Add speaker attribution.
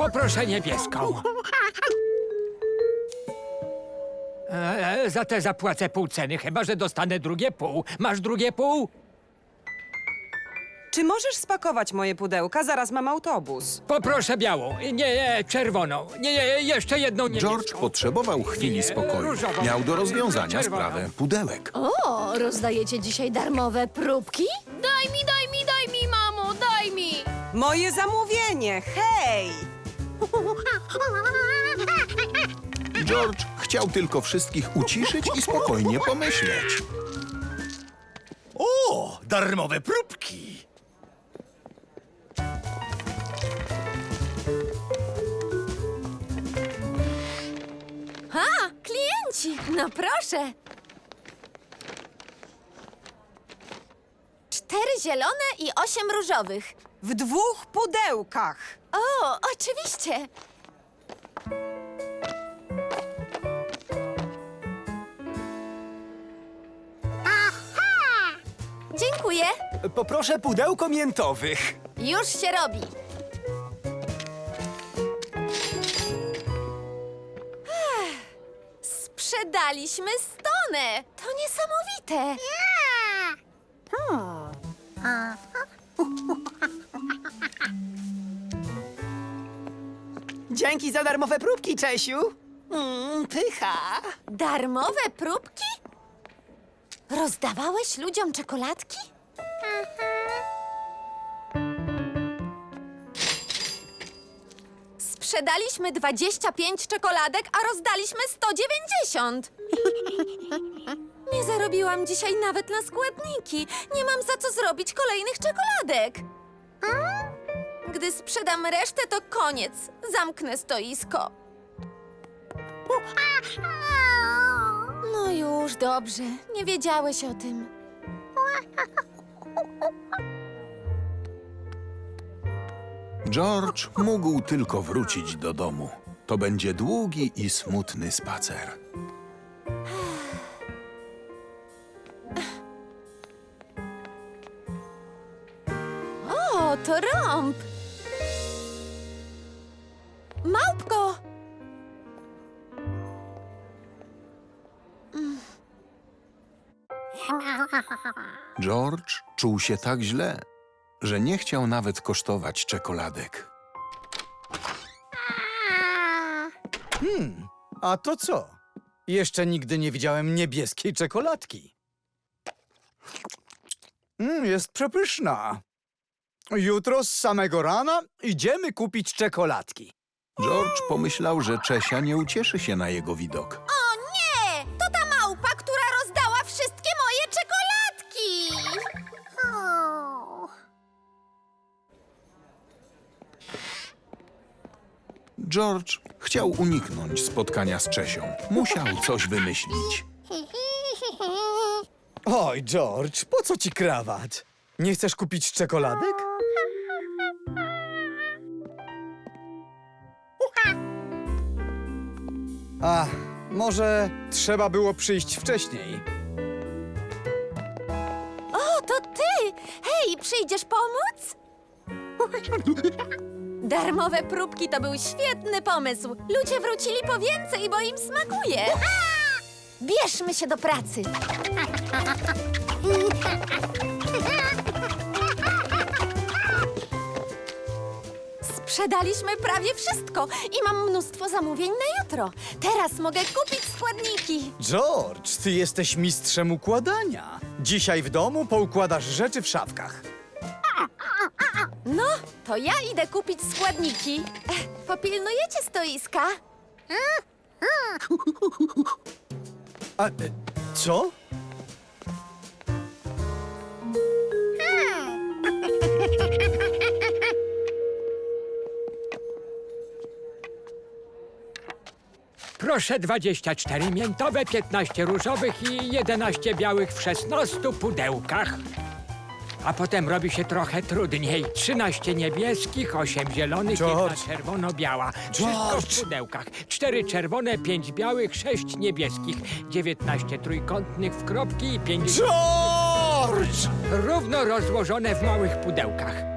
Speaker 1: Poproszę niebieską. Za tę zapłacę pół ceny, chyba że dostanę drugie pół. Masz drugie pół?
Speaker 2: Czy możesz spakować moje pudełka? Zaraz mam autobus.
Speaker 1: Poproszę białą. Nie, czerwoną. Nie, jeszcze jedną niebieską.
Speaker 3: George potrzebował chwili spokoju.
Speaker 1: różową.
Speaker 3: Miał do rozwiązania
Speaker 1: Czerwoną.
Speaker 3: sprawę pudełek.
Speaker 4: O, rozdajecie dzisiaj darmowe próbki?
Speaker 5: Daj mi, mamo, daj mi!
Speaker 2: Moje zamówienie! Hej!
Speaker 3: George chciał tylko wszystkich uciszyć i spokojnie pomyśleć.
Speaker 6: O, darmowe próbki!
Speaker 4: A, klienci! No proszę! 4 zielone i 8 różowych.
Speaker 2: W 2 pudełkach.
Speaker 4: O, oczywiście! Dziękuję.
Speaker 6: Poproszę pudełko miętowych.
Speaker 4: Już się robi. Sprzedaliśmy stonę. To niesamowite.
Speaker 6: Dzięki za darmowe próbki, Czesiu. Pycha.
Speaker 4: Darmowe próbki? Rozdawałeś ludziom czekoladki? Sprzedaliśmy 25 czekoladek, a rozdaliśmy 190. Nie zarobiłam dzisiaj nawet na składniki. Nie mam za co zrobić kolejnych czekoladek. Gdy sprzedam resztę, to koniec. Zamknę stoisko. No już, dobrze. Nie wiedziałeś o tym.
Speaker 3: George mógł tylko wrócić do domu. To będzie długi i smutny spacer.
Speaker 4: O, to rąb! Małpko!
Speaker 3: George czuł się tak źle, że nie chciał nawet kosztować czekoladek.
Speaker 6: A to co? Jeszcze nigdy nie widziałem niebieskiej czekoladki. Jest przepyszna. Jutro z samego rana idziemy kupić czekoladki.
Speaker 3: George pomyślał, że Czesia nie ucieszy się na jego widok.
Speaker 4: O nie! To ta małpa, która rozdała wszystkie moje czekoladki!
Speaker 3: George chciał uniknąć spotkania z Czesią. Musiał coś wymyślić.
Speaker 6: Oj, George, po co ci krawat? Nie chcesz kupić czekoladek? A, może trzeba było przyjść wcześniej.
Speaker 4: O, to ty! Hej, przyjdziesz pomóc? Darmowe próbki to był świetny pomysł. Ludzie wrócili po więcej, bo im smakuje. Bierzmy się do pracy. Sprzedaliśmy prawie wszystko i mam mnóstwo zamówień na jutro. Teraz mogę kupić składniki.
Speaker 6: George, ty jesteś mistrzem układania. Dzisiaj w domu poukładasz rzeczy w szafkach.
Speaker 4: No, to ja idę kupić składniki. Popilnujecie stoiska?
Speaker 6: A, co?
Speaker 1: Proszę 24 miętowe, 15 różowych i 11 białych w 16 pudełkach. A potem robi się trochę trudniej. 13 niebieskich, 8 zielonych,
Speaker 6: George.
Speaker 1: 1 czerwono-biała. Wszystko
Speaker 6: George.
Speaker 1: w pudełkach. 4 czerwone, 5 białych, 6 niebieskich. 19 trójkątnych w kropki i 50
Speaker 6: George!
Speaker 1: równo rozłożone w małych pudełkach.